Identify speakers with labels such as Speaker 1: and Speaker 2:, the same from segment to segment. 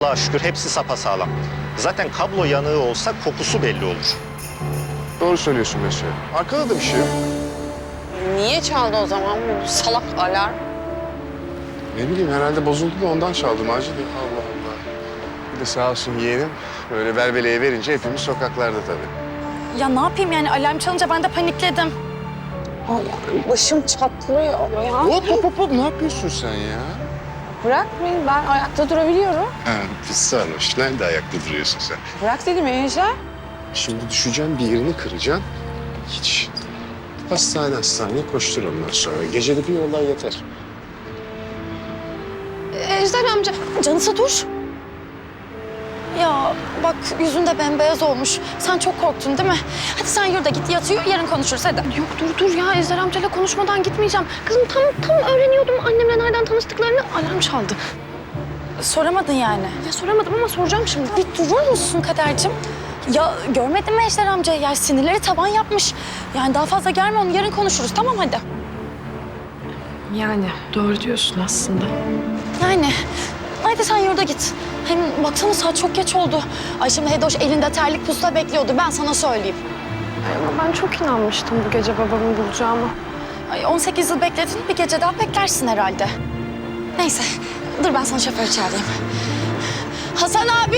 Speaker 1: Allah'a şükür hepsi sapasağlam. Zaten kablo yanığı olsa kokusu belli olur.
Speaker 2: Doğru söylüyorsun Mesut. Arkada da bir şey yok.
Speaker 3: Niye çaldı o zaman bu salak alarm?
Speaker 2: Ne bileyim herhalde bozuldu da ondan çaldım Macide. Allah Allah. Bir de sağ olsun yeğenim böyle velveleye verince hepimiz sokaklarda tabii.
Speaker 4: Ya ne yapayım yani alarm çalınca ben de panikledim.
Speaker 3: Ay, başım çatlıyor ya.
Speaker 2: Hop ne yapıyorsun sen ya?
Speaker 3: Bırak beni, ben ayakta durabiliyorum.
Speaker 2: Ha, pis sarhoş. Nerede ayakta duruyorsun sen?
Speaker 3: Bırak dedim Ejder.
Speaker 2: Şimdi düşeceksin bir yerini kıracaksın. Hiç. Hastaneye koştur ondan sonra. Gecede bir olay yeter.
Speaker 4: Ejder amca canısı dur. Ya bak yüzün de bembeyaz olmuş. Sen çok korktun değil mi? Hadi sen yurda git yatıyor yarın konuşuruz hadi.
Speaker 5: Yok dur ya Ejder amcayla konuşmadan gitmeyeceğim. Kızım tam öğreniyordum annemle nereden tanıştıklarını, alarm çaldı.
Speaker 4: Soramadın yani.
Speaker 5: Ya soramadım ama soracağım şimdi.
Speaker 4: Bir durur musun Kadercim? Ya görmedin mi Ejder amca? Ya sinirleri tavan yapmış. Yani daha fazla gelme onu yarın konuşuruz tamam hadi.
Speaker 5: Yani doğru diyorsun aslında.
Speaker 4: Yani haydi sen yurda git. Hem baksana saat çok geç oldu. Ay şimdi Hedoş elinde terlik pusula bekliyordu ben sana söyleyeyim.
Speaker 5: Ama ben çok inanmıştım bu gece babamı bulacağıma.
Speaker 4: Ay 18 yıl bekledin bir gece daha beklersin herhalde. Neyse dur ben sana şoför çağırayım. Hasan abi!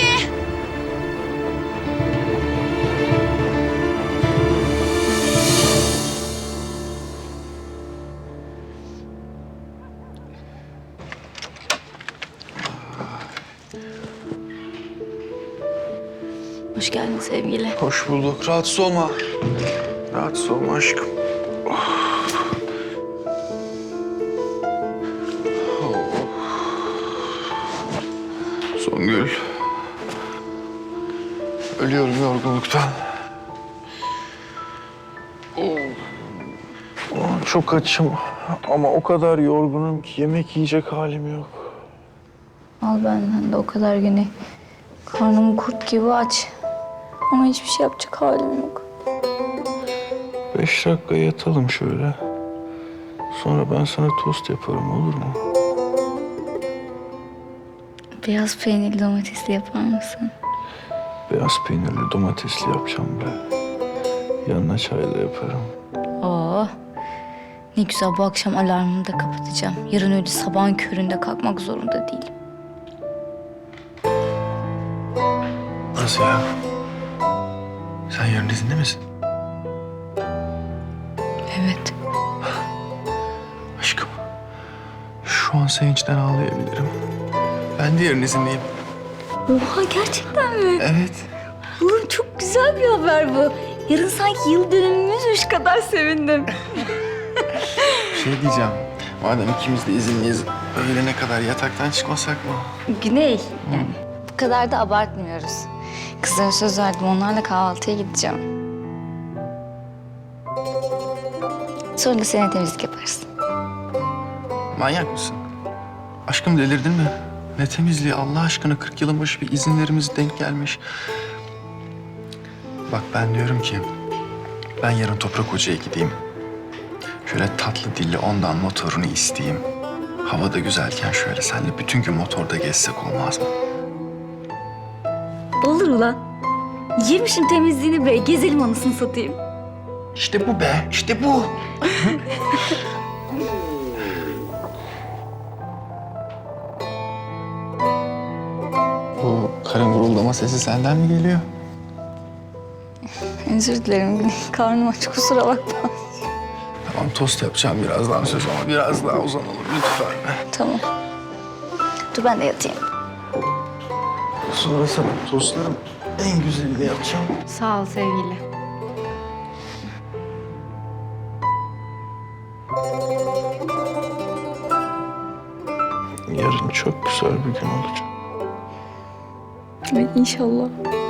Speaker 6: Hoş geldin sevgili.
Speaker 7: Hoş bulduk. Rahatsız olma. Rahatsız olma aşkım. Songül. Ölüyorum yorgunluktan. Çok açım ama o kadar yorgunum ki yemek yiyecek halim yok.
Speaker 6: Al benden de o kadar güne. Karnım kurt gibi aç. Ama hiçbir şey yapacak halim yok.
Speaker 7: 5 dakika yatalım şöyle. Sonra ben sana tost yaparım olur mu?
Speaker 6: Beyaz peynirli domatesli yapar mısın?
Speaker 7: Beyaz peynirli domatesli yapacağım be. Yanına çayla yaparım.
Speaker 6: Oo. Ne güzel bu akşam alarmımı da kapatacağım. Yarın öyle sabahın köründe kalkmak zorunda değilim.
Speaker 7: Nasıl ya? Sen yarın izinde misin?
Speaker 6: Evet.
Speaker 7: Aşkım, şu an sevinçten ağlayabilirim. Ben de yarın izinliyim.
Speaker 6: Oha gerçekten mi?
Speaker 7: Evet.
Speaker 6: Oğlum çok güzel bir haber bu. Yarın sanki yıl dönümümüzmüş kadar sevindim.
Speaker 7: Şey diyeceğim, madem ikimiz de izinliyiz, öğlene kadar yataktan çıkmasak mı?
Speaker 6: Güney, yani bu kadar da abartmıyoruz. Kızlara söz verdim, onlarla kahvaltıya gideceğim. Sonra da seninle temizlik yaparız.
Speaker 7: Manyak mısın? Aşkım delirdin mi? Ne temizliği Allah aşkına 40 yılın başı bir izinlerimiz denk gelmiş. Bak ben diyorum ki ben yarın Toprak Hoca'ya gideyim. Şöyle tatlı dilli ondan motorunu isteyeyim. Hava da güzelken şöyle seninle bütün gün motorda gezsek olmaz mı?
Speaker 6: Olur ulan. Yemişim temizliğini be, gezelim anasını satayım.
Speaker 7: İşte bu be, işte bu. Bu karın guruldama sesi senden mi geliyor?
Speaker 6: Özür dilerim Güney, karnım aç kusura bakma.
Speaker 7: Tamam tost yapacağım birazdan söz ama biraz daha uzanalım lütfen.
Speaker 6: Tamam. Dur ben de yatayım.
Speaker 7: Sonra sana tostların en güzelini yapacağım.
Speaker 5: Sağ ol sevgili.
Speaker 7: Yarın çok güzel bir gün olacak.
Speaker 6: Ay, İnşallah.